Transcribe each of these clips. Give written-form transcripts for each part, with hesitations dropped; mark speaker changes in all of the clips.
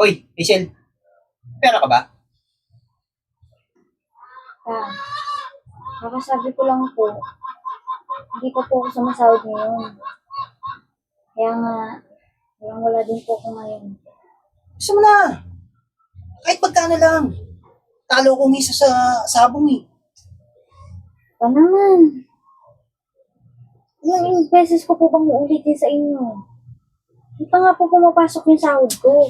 Speaker 1: Hoy, Michelle, pera ka ba?
Speaker 2: Ah, kakasabi ko lang po, hindi pa po ako sumasahod ngayon. Kaya nga, wala din po ako ngayon.
Speaker 1: Gusto mo na. Kahit magkano lang. Talo ko misa sa sabong eh.
Speaker 2: Pa naman, ilang beses ko po bang uulitin sa inyo? Hindi pa nga po pumapasok yung sahod ko.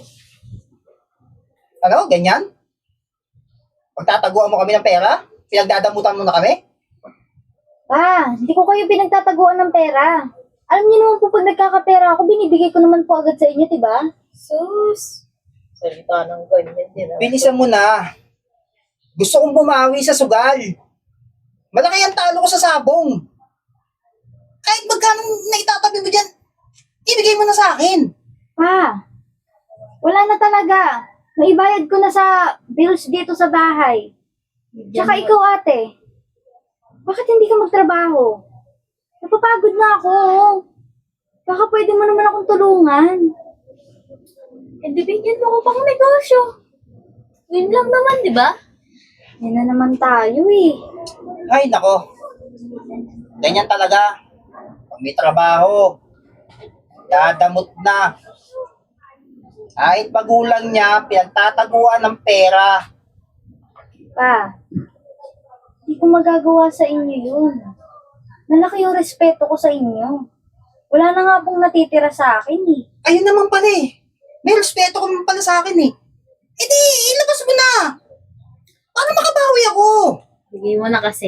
Speaker 1: Ano, ganyan? Pagtataguan mo kami ng pera? Pinagdadamutan mo na kami?
Speaker 2: Pa, hindi ko kayo pinagtataguan ng pera. Alam niyo naman po pag nagkakapera ako, binibigay ko naman po agad sa inyo, diba?
Speaker 3: Sus! Salita ng ganyan din.
Speaker 1: Bilisan mo na. Gusto kong bumawi sa sugal. Malaki ang talo ko sa sabong. Kahit magkano naitatabi mo dyan, ibigay mo na sa akin.
Speaker 2: Pa, wala na talaga. Naibayad ko na sa bills dito sa bahay. Tsaka ikaw ate, bakit hindi ka magtrabaho? Napapagod na ako. Baka pwede mo naman akong tulungan.
Speaker 3: Eh, bibigyan mo ko pang negosyo. Win lang naman, di ba?
Speaker 2: Yan na naman tayo eh.
Speaker 1: Ay, nako. Ganyan talaga. Pag may trabaho, dadamot na. Kahit magulang niya, pinagtataguan ng pera.
Speaker 2: Pa, hindi ko magagawa sa inyo yun. Nalaki yung respeto ko sa inyo. Wala na nga pong natitira sa akin eh.
Speaker 1: Ayun naman pala eh. May respeto ka naman pala sa akin eh. E di, ilabas mo na. Para makabawi ako.
Speaker 3: Bigay mo na kasi.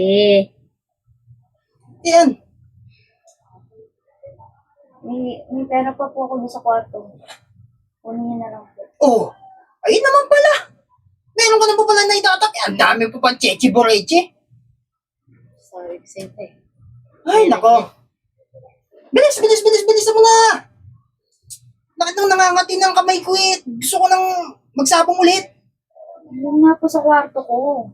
Speaker 1: Yan.
Speaker 2: May pera pa po ako doon sa kwarto. Kunin niyo na lang po.
Speaker 1: Oh, ayun naman pala. Meron ka na pa pala na itatabi. Ang dami pa pa cheche boreche.
Speaker 3: Sorry, siyempre.
Speaker 1: Ay, nako. Bilis mo na. Bakit nang nangangati ng kamay ko eh? Gusto ko nang magsabong ulit.
Speaker 2: Alam nga po sa kwarto ko.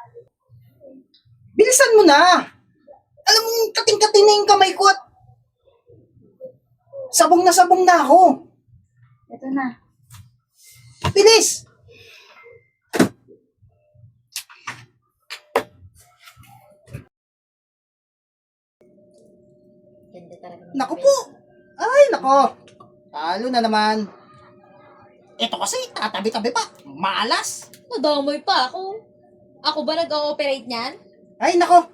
Speaker 1: Bilisan mo na. Alam mo, kating-kating na yung kamay ko at sabong na ako.
Speaker 2: Ito na.
Speaker 1: Bilis!
Speaker 3: Ganda talaga.
Speaker 1: Naku po! Ay, nako! Talo na naman. Ito kasi, tatabi-tabi pa. Malas.
Speaker 3: Nadamay pa ako. Ako ba nag-ooperate niyan?
Speaker 1: Ay, nako!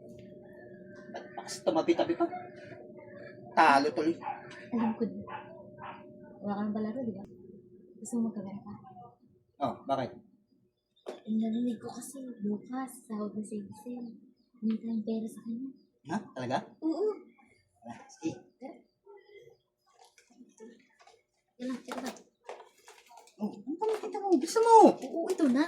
Speaker 1: Ba't tumabi-tabi pa? Talo tuloy.
Speaker 3: Alam ko din. Wala ka ng balaro, di ba? Gusto mo magkabera pa?
Speaker 1: Oh, bakit?
Speaker 3: Eh, narinig ko kasi bukas, sahod na si Giselle. Hindi tayong pera sa kanya.
Speaker 1: Ha? Talaga?
Speaker 3: Oo.
Speaker 1: Ah, sige.
Speaker 3: Yan lang, tira ba?
Speaker 1: Oh, ano pa nakita mo? Gusto mo?
Speaker 3: Oo, ito na.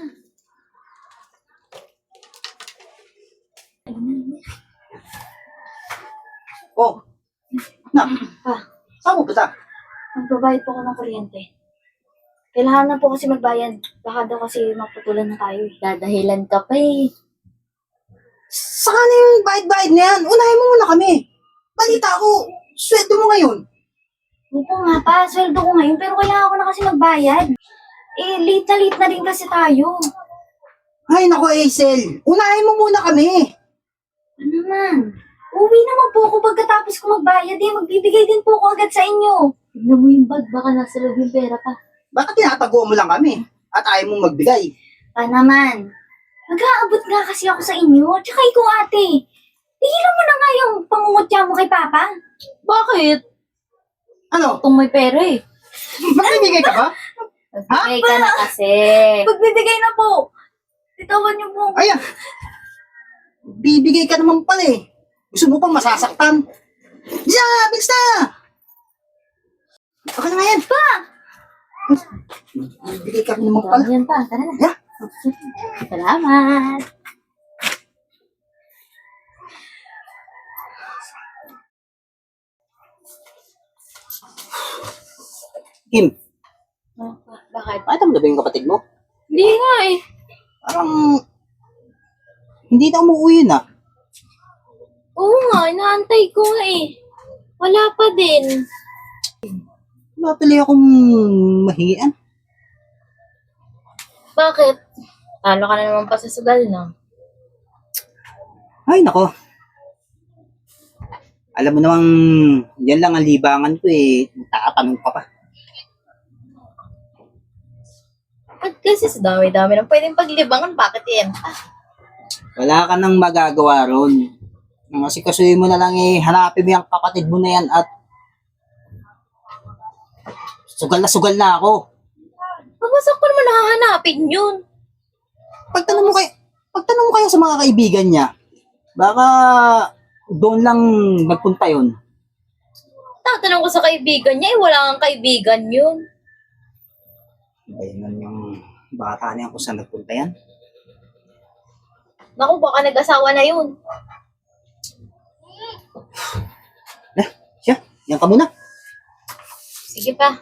Speaker 1: Oh. Na,
Speaker 2: Pa,
Speaker 1: saan mo ba?
Speaker 2: magbabayad po ako ng kuryente. Kailangan na po kasi magbayad. Baka daw kasi maputulan na tayo eh.
Speaker 3: Dadahilan ka pa eh.
Speaker 1: Saka na yung bayad-bayad na yan. Unahin mo muna kami. Balita ko, sweldo mo ngayon.
Speaker 2: Opo nga pa, sweldo ko ngayon pero kailangan ko na kasi magbayad. Eh, late na rin kasi tayo.
Speaker 1: Ay, nako, Hazel. Unahin mo muna kami.
Speaker 2: Ano naman? Uwi naman po ako pagkatapos ko magbayad eh. Magbibigay din po ako agad sa inyo.
Speaker 3: Tignan mo yung bag, baka nasa loob yung pera pa.
Speaker 1: Bakit tinatago mo lang kami? At ayaw mong magbigay?
Speaker 2: Pa naman. Mag-aabot nga kasi ako sa inyo. Tsaka ikaw ate. Tigilan mo na nga yung pangungutya mo kay Papa.
Speaker 3: Bakit?
Speaker 1: Ano?
Speaker 3: Itong may pera eh.
Speaker 1: Magbibigay ka ba?
Speaker 3: Magbigay ka na kasi.
Speaker 2: Magbibigay na po. Titawan niyo po.
Speaker 1: Ayan. Bibigay ka naman pala eh. Gusto mo pang masasaktan? Diyan, bilis na! Okay na nga yan.
Speaker 2: Pa!
Speaker 1: Bibigay ka naman pala.
Speaker 3: Yan pa, tara na.
Speaker 1: Yeah.
Speaker 3: Salamat.
Speaker 1: Kim,
Speaker 2: Bakit?
Speaker 1: pakita mo na ba yung kapatid mo?
Speaker 3: Hindi nga eh.
Speaker 1: Parang hindi na umuwi na.
Speaker 3: Oo nga, inaantay ko nga eh. Wala pa din.
Speaker 1: Wala pala akong mahingian.
Speaker 3: Bakit? Talo ka na naman pa sa sugal, no?
Speaker 1: Ay, nako. Alam mo namang, yan lang ang libangan ko eh. Natatanong ka pa.
Speaker 3: At kasi sa dami-dami ng pwedeng paglibangan, bakit yan?
Speaker 1: Wala ka nang magagawa ron. Kasi kasuhin mo na lang eh, hanapin mo yung kapatid mo na yan at sugal na ako.
Speaker 3: Pagmasak ko naman nakahanapin yun.
Speaker 1: Pagtanong mo kayo sa mga kaibigan niya, baka doon lang nagpunta yun.
Speaker 3: Tatanong ko sa kaibigan niya, wala kang kaibigan yun.
Speaker 1: Ayun yung bata niya kung saan nagpunta yan.
Speaker 3: Naku, baka nag-asawa na yun.
Speaker 1: Siya, yan ka muna.
Speaker 3: Sige pa.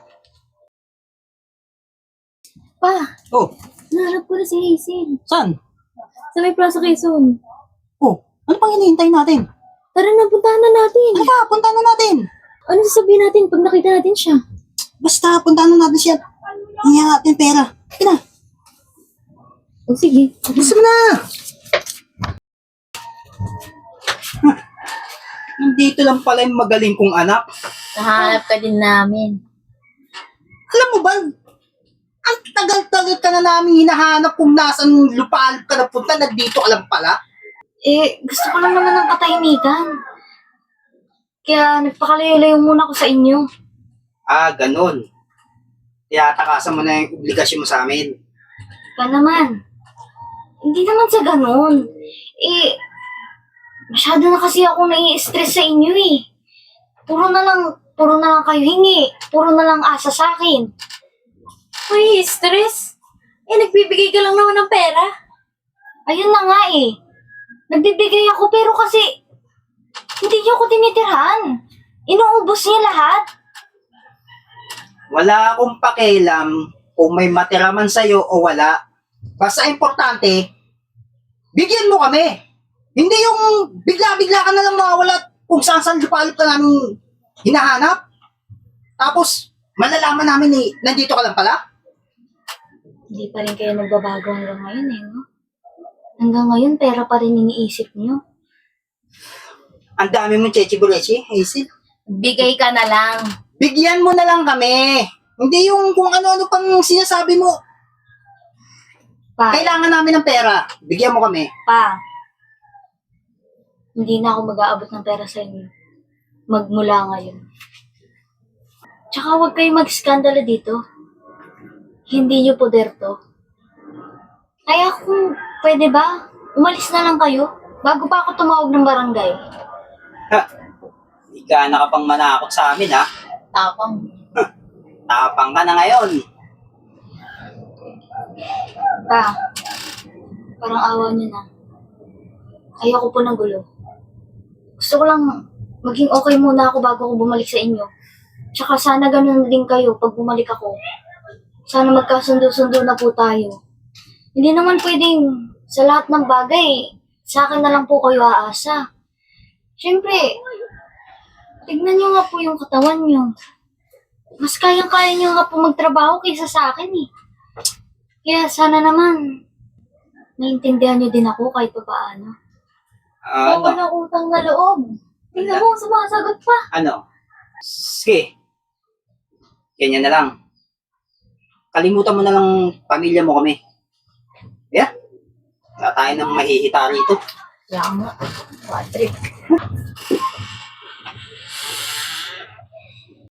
Speaker 3: Pa,
Speaker 1: Oh,
Speaker 3: nahanap ko na si Hazel.
Speaker 1: saan?
Speaker 3: Sa may Plaza Quezon.
Speaker 1: Oh, ano pang hinihintay natin?
Speaker 3: Tara na, puntahan na natin.
Speaker 1: Ano ba, punta na natin.
Speaker 3: Ano sasabihin natin pag nakita natin siya?
Speaker 1: Basta, punta na natin siya. Hingyan natin pera. Sige na,
Speaker 3: O sige.
Speaker 1: gusto mo na. Nandito lang pala yung magaling kong anak.
Speaker 3: Nahanap ka din namin.
Speaker 1: Alam mo ba, ang tagal-tagal ka na namin hinahanap kung nasan lupalop ka na punta, nandito ka lang pala.
Speaker 2: Gusto ko lang naman ng katahimikan. Kaya nagpakalayo-layo muna ako sa inyo.
Speaker 1: Ah, ganun. Tiyatakasan mo na yung obligasyon mo sa amin.
Speaker 2: Pa naman. Hindi naman sa ganun. Masyado na kasi ako nai-stress sa inyo eh. Puro na lang kayo hingi. Puro na lang asa sa akin.
Speaker 3: Uy, stress? Nagbibigay ka lang naman ng pera.
Speaker 2: Ayun na nga eh. Nagbibigay ako pero kasi hindi niyo ako tinitirhan. Inuubos niya lahat.
Speaker 1: Wala akong pakialam kung may matira man sa'yo o wala. Basta importante, bigyan mo kami. Hindi yung bigla-bigla ka na lang mawawala kung saan lupalop ka namin hinahanap. Tapos, malalaman namin eh, nandito ka lang pala.
Speaker 2: Hindi pa rin kayo nagbabago hanggang ngayon eh, no? Hanggang ngayon, pera pa rin iniisip niyo.
Speaker 1: Ang dami mong chechi-burechi, Hazel.
Speaker 3: Bigay ka na lang.
Speaker 1: Bigyan mo na lang kami. Hindi yung kung ano-ano pang sinasabi mo.
Speaker 2: Pa,
Speaker 1: Kailangan namin ng pera. Bigyan mo kami.
Speaker 2: hindi na ako mag-aabot ng pera sa inyo. Magmula ngayon. Tsaka huwag kayo mag-skandalo dito. Hindi niyo poder to. Kaya kung pwede ba, umalis na lang kayo bago pa ako tumawag ng barangay.
Speaker 1: Ha? Hindi ka na ka pang manakot sa amin, ha?
Speaker 3: Tapang.
Speaker 1: Tapang ka na ngayon.
Speaker 2: Pa, parang awa niyo na. Ayoko po ng gulo. Gusto ko lang maging okay muna ako bago ako bumalik sa inyo. Tsaka sana ganun din kayo pag bumalik ako. Sana magkasundo-sundo na po tayo. Hindi naman pwedeng sa lahat ng bagay, sa akin na lang po kayo aasa. Siyempre, tignan niyo nga po yung katawan niyo. Mas kayang-kaya niyo nga po magtrabaho kaysa sa akin eh. Kaya sana naman, naiintindihan niyo din ako kahit pa paano.
Speaker 3: Ako ng utang na loob. Tingnan mo, sumasagot pa.
Speaker 1: Ano? Sige. Ganyan na lang. Kalimutan mo na lang pamilya mo kami. Yeah? Wala tayo nang mahihita rito.
Speaker 3: Kaya nga, Patrick.